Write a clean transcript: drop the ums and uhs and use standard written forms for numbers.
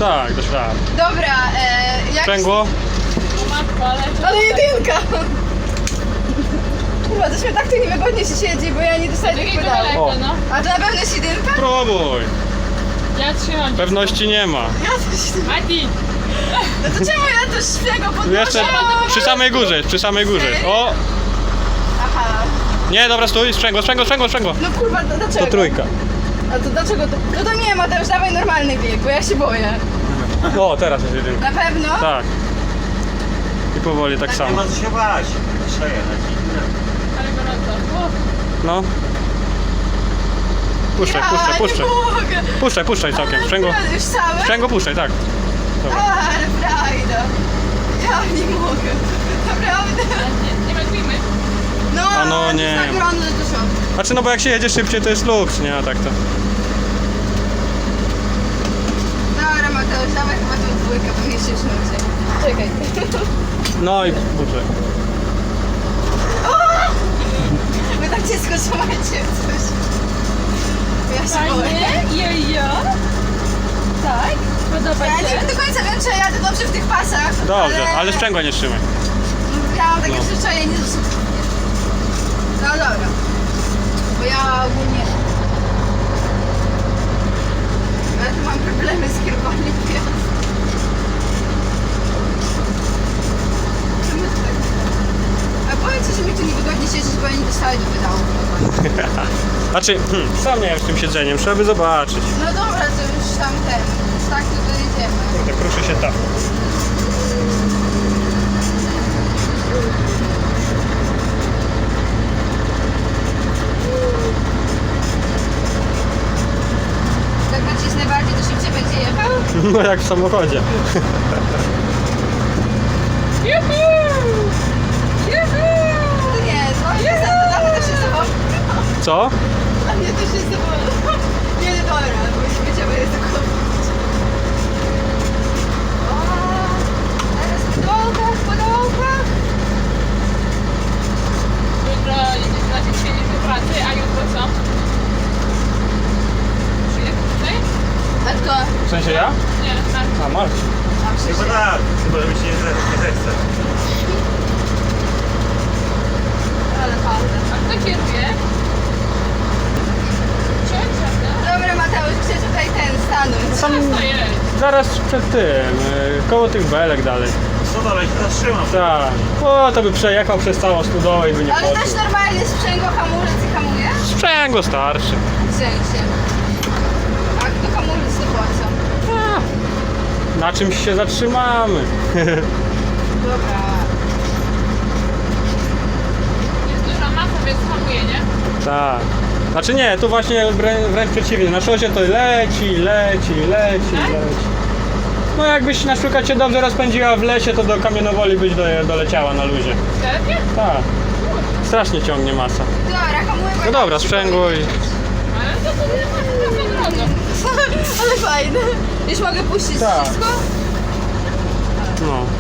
Tak, dasz radę. Dobra, jak... Sprzęgło? O matko, Ale jedynka! Kurwa, to tak tu niewygodnie się siedzi, bo ja nie dostaję tych Takiego pedałów. daleko, O. no. A to na pewno jest jedynka? Próbuj. Ja trzymam. Pewności nie ma. Ja coś... Mati! No to czemu ja to szpiego podnoszę? Jeszcze przy samej górze, przy samej górze. O! Aha. Nie, dobra, stój, sprzęgło. No kurwa, dlaczego? To trójka. A to dlaczego to... No to nie, Mateusz, dawaj normalny bieg, bo ja się boję. O, teraz jest jedynka. Na pewno? Tak. I powoli tak Nie samo. ma co się bać. Przejechać. Ale gorąco. No. Puszczaj. Nie mogę. Puszczaj całkiem. Sprzęgło. Już całe? Sprzęgło puszczaj, tak. Dobra. Ale frajda. Ja nie mogę. Naprawdę. Nie metrujmy. No, A no to nie. jest tak gorąco, że to szok. Znaczy, no bo jak się jedzie szybciej, to jest luks, nie? A tak to. Dobra, Mateusz, dawaj chyba tą dwójkę, bo mnie się już nudzi. Czekaj. No i puszczaj. Wy tak ciężko trzymacie coś. Ja się boję. Fajnie? Jojo? Tak? Podoba Ja się? nie do końca wiem, czy ja jadę dobrze w tych pasach. Dobrze, ale sprzęgła nie trzymaj. Ja mam takie No. przyzwyczajenie, że... No dobra. Bo ja ogólnie... Ja tu mam problemy z kierowaniem pojazdu. Czemu to tak? A powiedz, że mi tu niewygodnie siedzieć, bo ja nie dostaję do pedału. Znaczy, sam nie wiem z tym siedzeniem, trzeba by zobaczyć. No dobra, to już tam ten. Tak, to dojedziemy. Kurde, kruszy się tak. Jak nacisnę bardziej, to szybciej będzie jechał? No jak w samochodzie. Juhu! Juhu! To nie, to jest dla mnie też jest zabawne. Co? Dla mnie też jest zabawne. Nie, dobra, bo już wiedziałem, jest tylko... O, teraz w dołkach. Jutro znaczy dzisiaj nie do pracy, a jutro co? Przyjdę tutaj? A kto? W sensie ja? Nie, tak. A, Marcin. Chyba tak. Chyba, że mi się nie zechce. Ale fajne. A kto kieruje? Ciocia, Dobra, Mateusz, chcę tutaj stanąć. Tam zaraz przed tym, koło tych belek dalej. Co dalej się zatrzymam? Tak. O, to by przejechał przez całą studowę i by nie Ale poczuł. też normalnie sprzęgło hamulec i hamuje? Sprzęgło starszy. W sensie. A kto hamulec to po co? Na czymś się zatrzymamy. Dobra. jest duża masa, więc hamuje, nie? Tak. Znaczy nie, tu właśnie wręcz przeciwnie. Na szosie to leci. No jakbyś na przykład się dobrze rozpędziła w lesie, to do kamienowoli byś doleciała na luzie. Serio? Tak. Strasznie ciągnie masa. Dobra, hamuje. No dobra, sprzęgło i... Ale to nie ma za drogo. Ale fajne. Już mogę puścić Tak. wszystko? No.